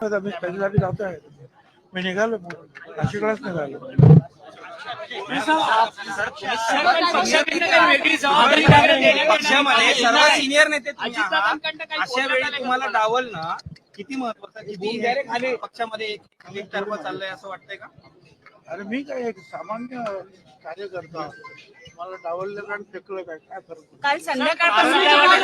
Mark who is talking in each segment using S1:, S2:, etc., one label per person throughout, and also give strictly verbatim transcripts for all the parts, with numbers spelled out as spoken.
S1: सांगत आम्ही त्याच्यासाठी जातो आहे. मी निघालो नाशिकलाच निघालो.
S2: पक्षामध्ये सर्व सिनियर नेते तुम्ही आहात. अशा वेळी तुम्हाला डावलणं किती महत्वाचं, किती पक्षामध्ये एक तर्फ चाललंय असं वाटतंय का?
S1: अरे मी काय एक सामान्य कार्यकर्ता, मला डावललं आणि फेकलं काय काय फरक?
S3: काल संध्याकाळपासून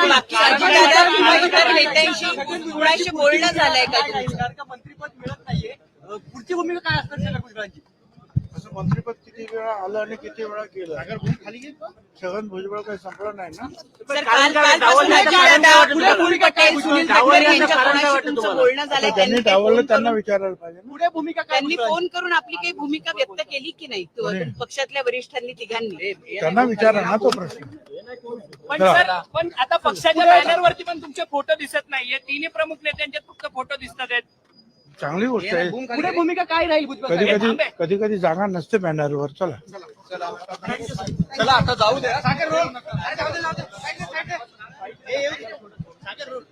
S3: नेत्यांशी कुणाशी बोलणं झालंय का?
S4: मंत्रीपद मिळत नाहीये, पुढची भूमिका काय असणार छगन भुजबळांची?
S1: असं मंत्रीपद किती वेळा आलं आणि किती वेळा केलं? छगन भुजबळ काही संपलं नाही ना.
S3: सर, काल पटेल सुनील तटकरे यांच्या कोणाशी तुमचं बोलणं झालंय?
S1: त्यांनी डावललं त्यांना विचारायला पाहिजे ना.
S4: पुढे भूमिका काय?
S3: त्यांनी फोन करून आपली काही भूमिका व्यक्त केली की नाही पक्षातल्या वरिष्ठांनी तिघांनी?
S1: त्यांना विचारा ना तो प्रश्न.
S4: पण सर, पण आता पक्षाच्या बॅनरवरती पण तुमचे फोटो दिसत नाहीये. तिन्ही प्रमुख नेत्यांचे फक्त फोटो दिसतात आहेत.
S1: चांगली गोष्ट आहे.
S4: पुढे भूमिका काय राहील भुजबळ?
S1: कधी कधी कधी कधी जागा नसते बॅनरवर. चला
S4: चला आता जाऊ द्या. सागर रोल. अरे जाऊ दे, जाऊ दे. साईड दे, साईड दे. ए, येऊ दे. सागर रोल.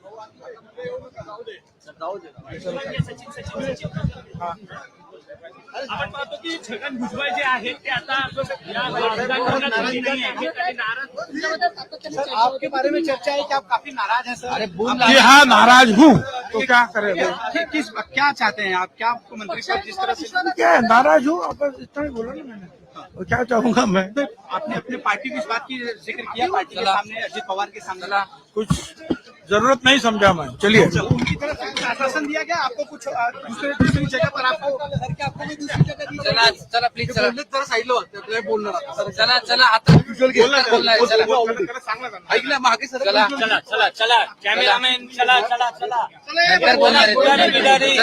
S4: जाऊ दे. सचिन सचिन सचिन आपण पाहतो की छगन भुजबळ जे आहेत ते आता या विधानभवनात आले नाही आहेत. ते नाराज. सर, आपके बारे में चर्चा है कि आप काफी नाराज हैं सर. अरे
S1: जी हाँ, नाराज हूँ तो क्या करें?
S2: किस क्या चाहते हैं आप? क्या आपको मंत्री पद जिस तरह से
S1: क्या है, नाराज हूँ आप इतना ही बोला ना मैंने. और क्या चाहूंगा मैं?
S2: आपने अपने पार्टी की इस बात की जिक्र किया पार्टी के सामने, अजित पवार के सामने
S1: कुछ जरूरत नहीं समझा मैं. चलिए.
S2: उनकी तरफ से कुछ आश्वासन दिया गया आपको? कुछ दूसरे दूसरी जगह पर आपको आपको भी दूसरी जगह दी?
S5: चला चला प्लीज चला
S2: जरा साईडला होते बोलणार.
S5: चला चला आता
S2: ऐकलं मागे सर.
S5: चला
S4: चला चला चला कॅमेरामॅन चला चला चला
S5: बोलणार